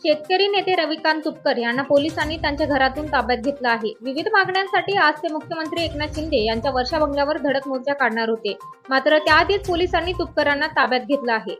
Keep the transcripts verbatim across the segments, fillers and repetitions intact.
शेतकरी नेते रविकांत तुपकर यांना पोलिसांनी त्यांच्या घरातून ताब्यात घेतलं आहे। विविध मागण्यांसाठी आज ते मुख्यमंत्री एकनाथ शिंदे यांच्या वर्षा बंगल्यावर धडक मोर्चा काढणार होते, मात्र त्याआधीच पोलिसांनी तुपकरांना ताब्यात घेतलं आहे।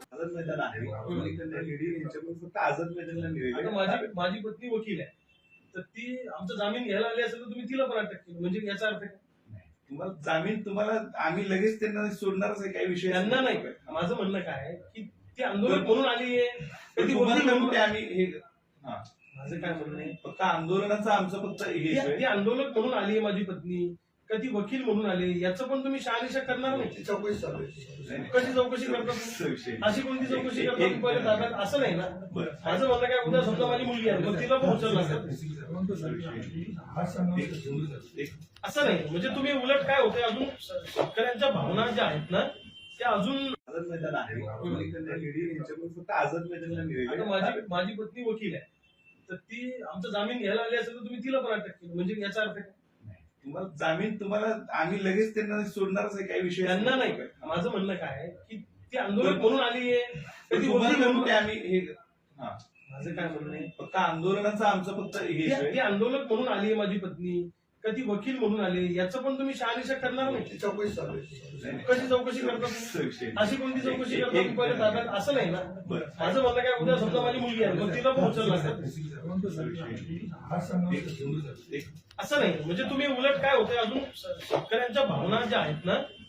माझी माझी पत्नी वकील आहे, तर ती आमचा जामीन घ्यायला आली असेल तर तुम्ही तिला पण अटक केली, म्हणजे याचा अर्थ काय? तुम्हाला जामीन तुम्हाला आम्ही लगेच त्यांना सोडणारच आहे, काही विषय त्यांना नाही। माझं म्हणणं काय आहे की ती आंदोलन म्हणून आली आहे, ती वकील म्हणून आम्ही हे हा माझं काय म्हणणं आहे, फक्त आंदोलनाचं आमचं फक्त हे ती आंदोलन म्हणून आली आहे माझी पत्नी, का ती वकील म्हणून आली, याचं पण तुम्ही शहानिशा करणार नाही? चौकशी चालू कशी चौकशी करता? अशी कोणती चौकशी करता पहिले ताब्यात? असं नाही ना। माझं म्हणणं काय, उद्या समजा माझी मुलगी आहे, मग तिला पण उचलला असं नाही, म्हणजे तुम्ही उलट काय होते, अजून शेतकऱ्यांच्या भावना ज्या आहेत ना त्या अजून आझाद मैदान आहे, फक्त आझाद मैदानला आता माझी माझी पत्नी वकील आहे, तर ती आमचा जामीन घ्यायला आली असेल तर तुम्ही तिला पण अटक केली, म्हणजे याचा अर्थ काय? तुम्हाला जामीन तुम्हाला आम्ही लगेच त्यांना सोडणारच आहे, काही विषय त्यांना नाही। माझं म्हणणं काय आहे की ती आंदोलन म्हणून आली आहे, ती वकील म्हणून आम्ही हे हा माझं काय म्हणणं आहे, फक्त आंदोलनाचं आमचं फक्त हे ती आंदोलन म्हणून आली आहे माझी पत्नी, का ती वकील म्हणून आली, याचं पण तुम्ही शहानिशा करणार नाही? चौकशी चालू कशी चौकशी करता? अशी कोणती चौकशी करता पहिले ताब्यात? असं नाही ना। माझं म्हणणं काय, उद्या समजा माझी मुलगी आहे, मग तिला पण उचलला असं नाही, म्हणजे तुम्ही उलट काय होते, अजून शेतकऱ्यांच्या भावना ज्या आहेत ना